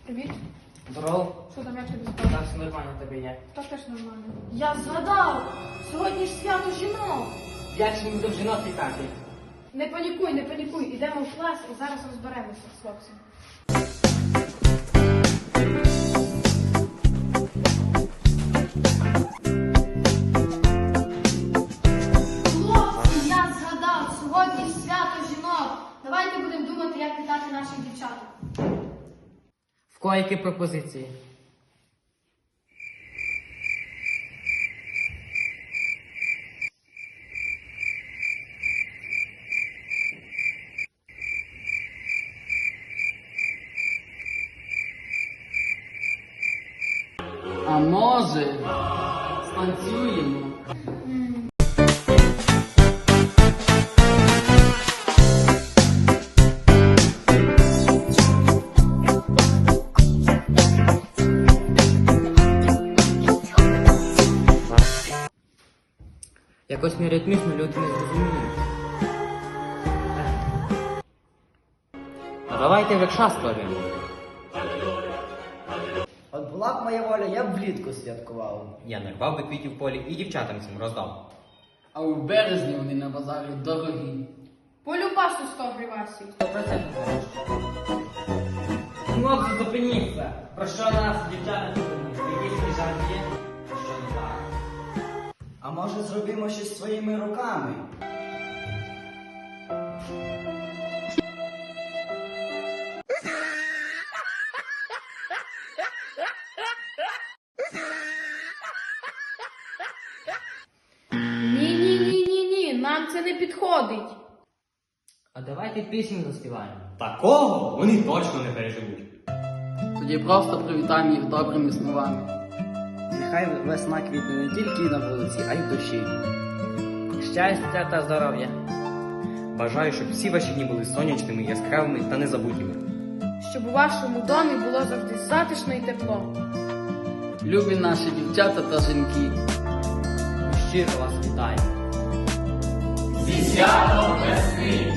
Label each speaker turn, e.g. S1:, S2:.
S1: Привіт.
S2: Здорово.
S1: Що там, як тобі справа?
S2: Так, все нормально в тебе є.
S1: Так теж нормально. Я згадав! Сьогодні ж свято жінок!
S2: Як ж ми будемо жінок вітати?
S1: Не панікуй. Ідемо в клас і зараз розберемося з хлопцем. Хлопці, я згадав! Сьогодні ж свято жінок! Давайте будемо думати, як вітати наших дівчаток.
S2: В кого які пропозиції?
S3: А може, станцюємо?
S2: Якось не ритмічно люди не зрозуміють. А давайте векша створимо.
S4: От була б моя воля, я б влітку святкував.
S5: Я нарвав би квітів в полі і дівчатам цим роздав.
S3: А у березні вони на базарі дорогі.
S1: Полюбасу 100 гривасів.
S2: 100% Хлопці, зупиніться! Про що нас, дівчата, думають? Якісь жарт є? Що не так?
S4: А може зробимо щось своїми руками?
S1: Ні, нам це не підходить.
S2: А давайте пісню заспіваємо.
S5: Такого вони точно не переживуть.
S3: Тоді просто привітаємо їх добрими словами.
S4: Нехай весна квітне не тільки на вулиці, а й в душі.
S2: Щастя та здоров'я.
S5: Бажаю, щоб всі ваші дні були сонячними, яскравими та незабутніми.
S1: Щоб у вашому домі було завжди затишно і тепло.
S3: Любі наші дівчата та жінки.
S2: Щиро вас вітаю.
S6: Зі святом весни!